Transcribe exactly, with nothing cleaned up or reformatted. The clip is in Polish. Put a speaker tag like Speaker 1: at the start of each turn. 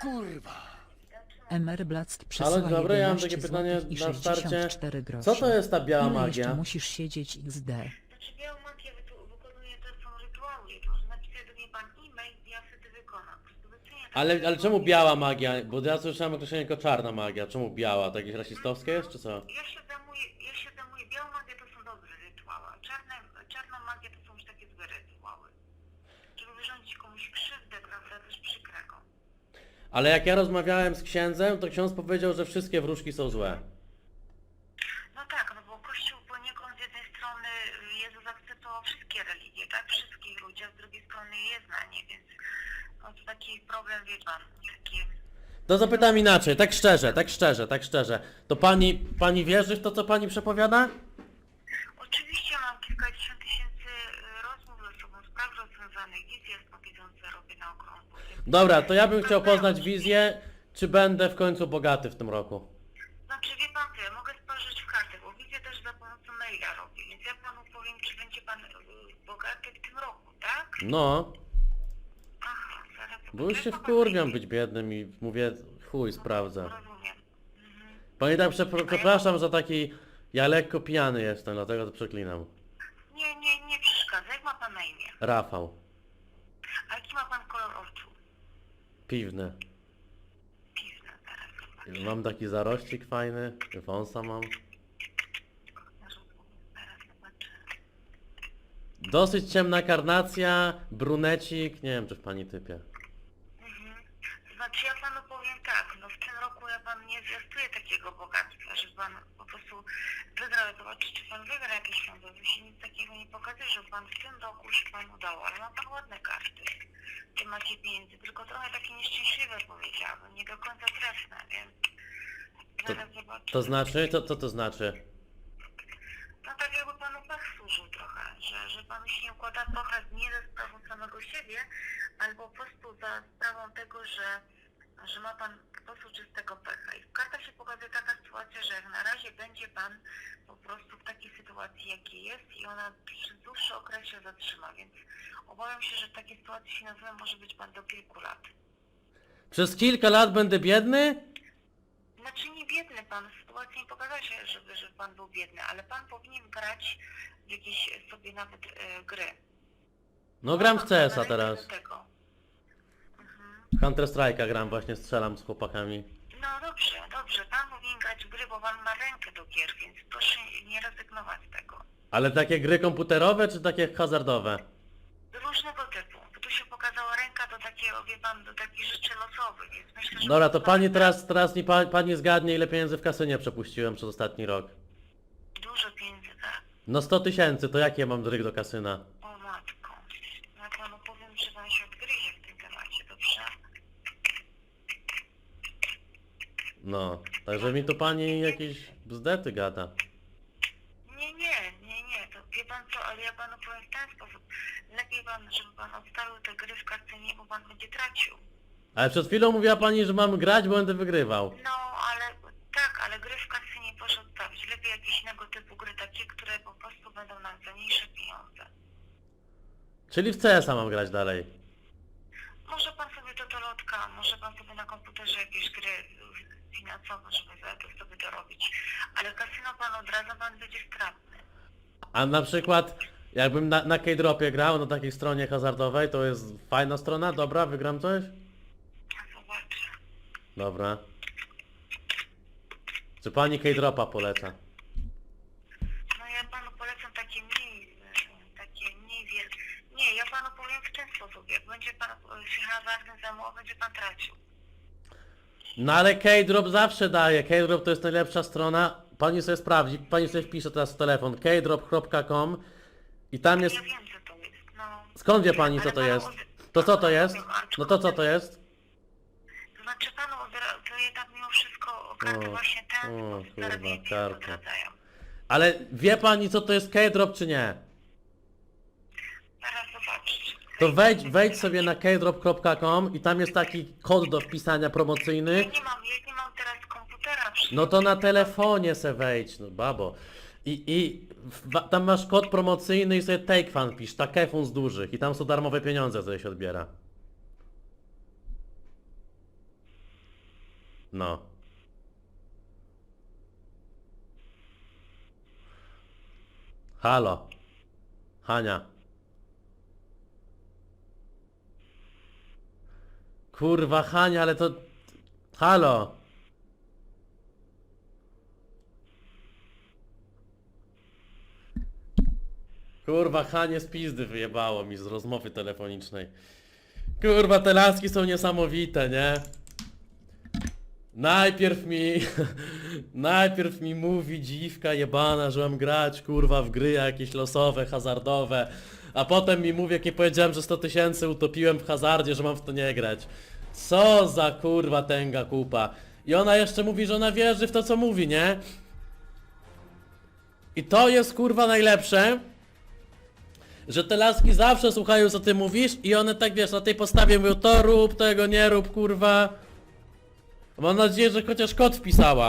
Speaker 1: Kurwa.
Speaker 2: Emerblatt
Speaker 3: Ale
Speaker 2: przesyła
Speaker 3: dobra, ja mam takie
Speaker 2: jedenaście
Speaker 3: pytanie
Speaker 2: złotych i
Speaker 3: na starcie.
Speaker 2: sześćdziesiąt cztery grosze.
Speaker 3: Co to jest ta biała
Speaker 2: Ile jeszcze
Speaker 3: magia?
Speaker 2: musisz siedzieć X D?
Speaker 4: Znaczy białą magię wytu- wykonuje, to są rytuały. To może napisać do mnie pan e-mail i ja wtedy wykonam. Po prostu wycenię takie
Speaker 3: Ale, ale
Speaker 4: rytuały.
Speaker 3: czemu biała magia? Bo ja słyszałem określenie jako czarna magia. Czemu biała? To jakieś rasistowskie jest, czy co?
Speaker 4: Ja się zajmuję, ja się zajmuję, białą magię to są dobre rytuały, a czarne, czarną magię to są już takie złe rytuały. Żeby wyrządzić komuś krzywdę, prawda, też przykrego.
Speaker 3: Ale jak ja rozmawiałem z księdzem, to ksiądz powiedział, że wszystkie wróżki są złe.
Speaker 4: No tak, no bo Kościół poniekąd z jednej strony Jezus akceptował wszystkie religie, tak? Wszystkich ludzi, a z drugiej strony je zna, nie? Więc no to taki problem, wie pan, takie...
Speaker 3: To zapytam inaczej, tak szczerze, tak szczerze, tak szczerze. To pani, pani wierzy w to, co pani przepowiada?
Speaker 4: Oczywiście mam kilkadziesiąt tysięcy rozmów ze sobą, spraw rozwiązanych, wizje jasnowidzące robię na okrągło.
Speaker 3: Dobra, to ja bym chciał poznać wizję, czy będę w końcu bogaty w tym roku.
Speaker 4: Znaczy wie pan co, ja mogę spojrzeć w kartę, bo wizję też za pomocą maila robię, więc ja panu powiem, czy będzie pan y, bogaty w tym roku, tak?
Speaker 3: No,
Speaker 4: Aha, zaraz...
Speaker 3: bo już
Speaker 4: to
Speaker 3: się
Speaker 4: jest
Speaker 3: wkurwiam być biednym i mówię, chuj, sprawdzę.
Speaker 4: Rozumiem. Mhm.
Speaker 3: Pani tak, przepro- przepraszam za taki, ja lekko pijany jestem, dlatego to przeklinam.
Speaker 4: Nie, nie, nie przeszkadza. Jak ma pan na imię?
Speaker 3: Rafał,
Speaker 4: A jaki ma pan kolor oczu?
Speaker 3: piwny.
Speaker 4: Piwny, zaraz zobaczę.
Speaker 3: Mam taki zarościk fajny, wąsa mam.
Speaker 4: Zaraz zobaczę.
Speaker 3: Dosyć ciemna karnacja, brunecik, nie wiem czy w pani typie.
Speaker 4: Mhm. Znaczy ja panu powiem tak, no w tym roku ja pan nie zwiastuję takiego bogactwa, że pan po prostu wygrał, zobaczyć czy pan wygra jakieś pieniądze, to się nic takiego nie pokazuje, że pan w tym roku się pan udało, ale ma pan ładne karty, gdzie macie pieniędzy, tylko trochę takie nieszczęśliwe powiedziałabym, nie do końca trefne, więc zaraz zobaczę.
Speaker 3: To znaczy? Co to, to znaczy?
Speaker 4: No tak jakby panu pech służył trochę, że, że panu się nie układa trochę nie ze sprawą samego siebie, albo po prostu za sprawą tego, że, że ma pan po prostu czystego pecha. I w kartach się pokazuje taka sytuacja, że jak na razie będzie pan po prostu w takiej sytuacji jakiej jest i ona przez dłuższy okres się zatrzyma, więc obawiam się, że w takiej sytuacji finansowej może być pan do kilku lat.
Speaker 3: Przez kilka lat będę biedny?
Speaker 4: Znaczy nie biedny pan, sytuacja nie pokazała się, żeby, żeby pan był biedny, ale pan powinien grać w jakieś sobie nawet e, gry.
Speaker 3: No gram w
Speaker 4: Pan
Speaker 3: C S a
Speaker 4: należy
Speaker 3: teraz.
Speaker 4: do tego. Mhm.
Speaker 3: Counter Strike'a gram, właśnie strzelam z chłopakami.
Speaker 4: No dobrze, dobrze, pan powinien grać w gry, bo pan ma rękę do gier, więc proszę nie rezygnować z tego.
Speaker 3: Ale takie gry komputerowe czy takie hazardowe?
Speaker 4: Różnego typu, bo tu się pokazała ręka do takiego, wie pan, do takich rzeczy losowych, więc myślę, że...
Speaker 3: Dobra, to pani teraz, teraz mi pa, pani zgadnie ile pieniędzy w kasynie przepuściłem przez ostatni rok.
Speaker 4: Dużo pieniędzy, tak?
Speaker 3: No sto tysięcy, to jakie mam dryg do kasyna?
Speaker 4: O matko. Ja panu powiem, że pan się odgryzie w tym temacie, dobrze?
Speaker 3: No, także mi tu pani jakieś bzdety gada.
Speaker 4: Nie, nie, nie, nie, to wie pan co, ale ja panu powiem w ten sposób. Lepiej pan, żeby pan odstawił te gry w kasynie, bo pan będzie tracił.
Speaker 3: Ale przed chwilą mówiła pani, że mam grać, bo będę wygrywał.
Speaker 4: No, ale tak, ale gry w kasynie proszę odstawić. Lepiej jakieś innego typu gry, takie, które po prostu będą nam za mniejsze pieniądze.
Speaker 3: Czyli w C S a mam grać dalej.
Speaker 4: Może pan sobie totolotka, może pan sobie na komputerze jakieś gry finansowe, żeby to sobie dorobić. Ale kasyno pan odradza, pan będzie stratny.
Speaker 3: A na przykład, jakbym na, na K-Dropie grał, na takiej stronie hazardowej, to jest fajna strona, dobra, wygram coś?
Speaker 4: Zobaczę.
Speaker 3: Dobra. Czy pani K-Dropa poleca?
Speaker 4: No ja panu polecam takie mniej, e, takie mniej wielkie. Nie, ja panu powiem w ten sposób, jak będzie pan e, się hazardem zajmował, będzie pan tracił.
Speaker 3: No ale K-Drop zawsze daje, K-Drop to jest najlepsza strona. Pani sobie sprawdzi, pani sobie wpisze teraz w telefon k drop kropka com i tam jest...
Speaker 4: Ja wiem, co to jest, no.
Speaker 3: Skąd wie pani co
Speaker 4: Ale
Speaker 3: to
Speaker 4: panu
Speaker 3: jest?
Speaker 4: od-
Speaker 3: To co to jest?
Speaker 4: Rozumiem,
Speaker 3: No to co to jest?
Speaker 4: To znaczy panu odra- to jednak mimo wszystko karty
Speaker 3: O,
Speaker 4: właśnie ten
Speaker 3: o,
Speaker 4: sposób
Speaker 3: kurwa,
Speaker 4: zarabiania
Speaker 3: karta.
Speaker 4: odradzają.
Speaker 3: Ale wie pani co to jest K-Drop czy nie?
Speaker 4: Zaraz zobaczyć.
Speaker 3: To wejdź, wejdź sobie na k drop kropka com i tam jest taki kod do wpisania promocyjny.
Speaker 4: Ja nie mam, ja nie mam teraz komputera przy...
Speaker 3: No to na telefonie se wejdź, no babo. I, i w, tam masz kod promocyjny i sobie take fan pisz, takefun z dużych i tam są darmowe pieniądze, co się odbiera. No. Halo. Hania. Kurwa, Hania, ale to... Halo. Kurwa, Hanie z pizdy wyjebało mi z rozmowy telefonicznej. Kurwa, te laski są niesamowite, nie? Najpierw mi... Najpierw mi mówi dziwka jebana, że mam grać, kurwa, w gry jakieś losowe, hazardowe. A potem mi mówi, jak nie powiedziałem, że sto tysięcy utopiłem w hazardzie, że mam w to nie grać. Co za kurwa tęga kupa. I ona jeszcze mówi, że ona wierzy w to, co mówi, nie? I to jest kurwa najlepsze, że te laski zawsze słuchają, co ty mówisz i one tak, wiesz, na tej podstawie mówią, to rób, tego nie rób, kurwa. Mam nadzieję, że chociaż kod wpisała.